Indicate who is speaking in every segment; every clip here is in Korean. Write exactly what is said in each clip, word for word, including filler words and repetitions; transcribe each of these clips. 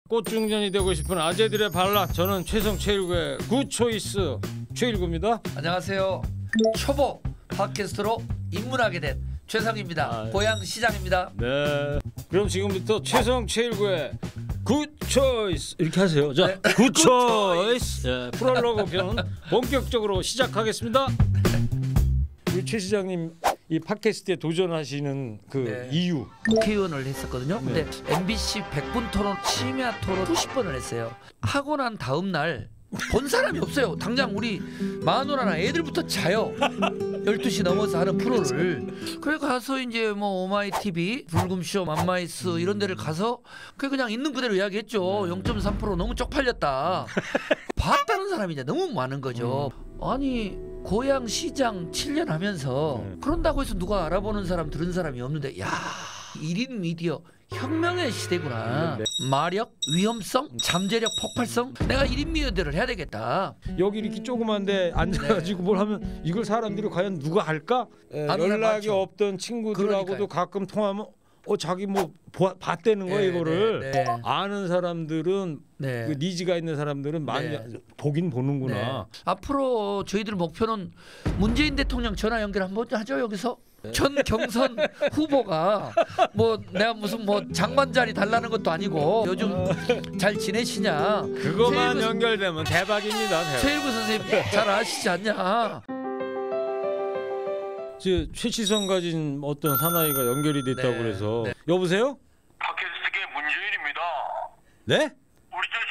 Speaker 1: 꽃중년이 되고 싶은 아재들의 발락. 저는 최성 최일구의 굿초이스 최일구입니다.
Speaker 2: 안녕하세요. 초보 팟캐스트로 입문하게 된 최성입니다. 아, 고향 시장입니다.
Speaker 1: 네. 그럼 지금부터 최성 최일구의 굿초이스 이렇게 하세요. 자, 네. 굿초이스 네, 프롤로그 편 본격적으로 시작하겠습니다. 우리 최 시장님 이 팟캐스트에 도전하시는 그 네. 이유.
Speaker 2: 국회의원을 했었거든요.
Speaker 1: 네.
Speaker 2: 근데 엠비씨 백 분 토론, 심야 토론 수십 번을 했어요. 하고 난 다음 날 본 사람이 없어요. 당장 우리 마누라나 애들부터 자요. 열두 시 넘어서 하는 프로를. 그래 가서 이제 뭐 오마이티비, 불금쇼, 맘마이스 이런 데를 가서 그냥, 그냥 있는 그대로 이야기했죠. 영 점 삼 퍼센트 너무 쪽팔렸다. 봤다는 사람이 이제 너무 많은 거죠. 아니 고향 시장 칠 년 하면서 그런다고 해서 누가 알아보는 사람 들은 사람이 없는데 야 일 인 미디어 혁명의 시대구나. 네. 마력, 위험성, 잠재력, 폭발성. 내가 일 인 미디어를 해야 되겠다.
Speaker 1: 여기 이렇게 조그만데 앉아가지고 네. 뭘 하면 이걸 사람들이 과연 누가 할까? 에, 연락이 없던 친구들하고도 그러니까요. 가끔 통하면 어 자기 뭐 보, 봤다는 거야. 네, 이거를 네, 네. 아는 사람들은 네. 그 니즈가 있는 사람들은 많이 네. 보긴 보는구나.
Speaker 2: 네. 앞으로 저희들 목표는 문재인 대통령 전화 연결 한번 하죠. 여기서 네. 전 경선 후보가 뭐 내가 무슨 뭐 장관 자리 달라는 것도 아니고 요즘 잘 지내시냐.
Speaker 1: 그거만 최일구, 연결되면 대박입니다. 대박.
Speaker 2: 최일구 선생님 잘 아시지 않냐.
Speaker 1: 최치성 가진 어떤 사나이가 연결이 됐다고 네, 그래서 네. 여보세요?
Speaker 3: 팟캐스트계 문재인입니다.
Speaker 1: 네?
Speaker 3: 우리 저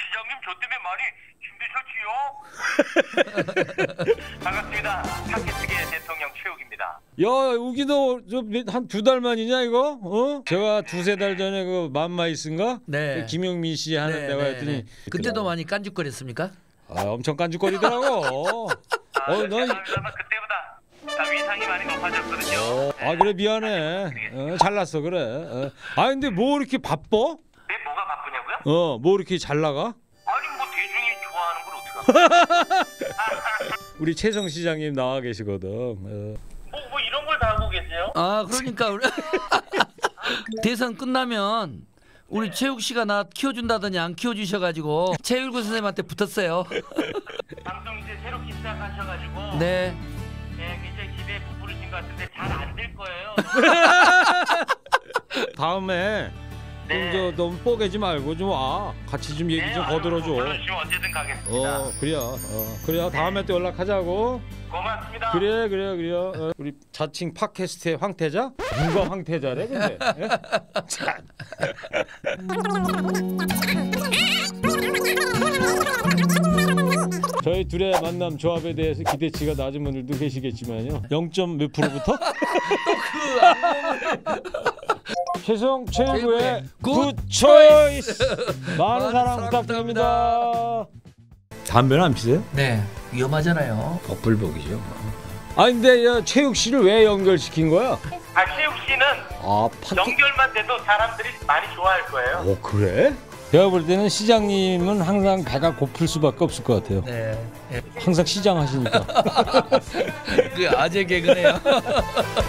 Speaker 3: 시장님 저 때문에 많이 힘드셨지요? 반갑습니다. 팟캐스트계 대통령 최욱입니다.
Speaker 1: 야 우기도 한 두 달 만이냐 이거? 어? 제가 두세 달 전에 그 맘마이스인가?
Speaker 2: 네.
Speaker 1: 그 김용민 씨 하는
Speaker 2: 네,
Speaker 1: 데가
Speaker 2: 네,
Speaker 1: 했더니
Speaker 2: 네. 그때도 많이 깐죽거렸습니까?
Speaker 1: 아 엄청 깐죽거리더라고.
Speaker 3: 아, 어, 너 그때보다 다 위상이 많이 높아졌거든요.
Speaker 1: 어, 아 그래 미안해. 어, 잘났어 그래. 어. 아 근데 뭐 이렇게 바빠?
Speaker 3: 네 뭐가 바쁘냐고요?
Speaker 1: 어, 뭐 이렇게 잘 나가?
Speaker 3: 아니 뭐 대중이 좋아하는 걸 어떡하?
Speaker 1: 우리 최성 시장님 나와 계시거든. 어.
Speaker 3: 뭐, 뭐 이런 걸 다 하고 계세요?
Speaker 2: 아 그러니까 우리 대선 끝나면 우리 최욱 씨가 나 키워준다더니 안 키워주셔가지고 최일구 선생님한테 붙었어요.
Speaker 3: 방송 이제 새롭게 시작하셔가지고.
Speaker 2: 네.
Speaker 3: 네, 굉장히 기대에 부풀으신 것 같은데 잘 안 될 거예요.
Speaker 1: 다음에
Speaker 3: 네.
Speaker 1: 좀 저 너무 뽀개지 말고 좀 와. 같이 좀 얘기
Speaker 3: 네,
Speaker 1: 좀 거들어줘.
Speaker 3: 불러주시면 언제든 가겠습니다.
Speaker 1: 어, 그래야. 어, 그래야 다음에 또 연락하자고.
Speaker 3: 고맙습니다.
Speaker 1: 그래, 그래, 그래. 어, 우리 자칭 팟캐스트의 황태자? 누가 황태자래, 근데? 참. 저희 둘의 만남 조합에 대해서 기대치가 낮은 분들도 계시겠지만요. 영 점 몇 프로부터? 최성 최일구의 굿초이스 많은 사랑 부탁드립니다. 담배는 안 피세요?
Speaker 2: 네, 위험하잖아요.
Speaker 1: 덕불복이죠. 아 근데 야, 최욱 씨를 왜 연결시킨 거야?
Speaker 3: 아 최욱 씨는
Speaker 1: 아, 팟캐...
Speaker 3: 연결만 돼도 사람들이 많이 좋아할 거예요.
Speaker 1: 오 그래? 제가 볼 때는 시장님은 항상 배가 고플 수밖에 없을 것 같아요.
Speaker 2: 네. 네.
Speaker 1: 항상 시장 하시니까.
Speaker 2: 그 아재 개그네요.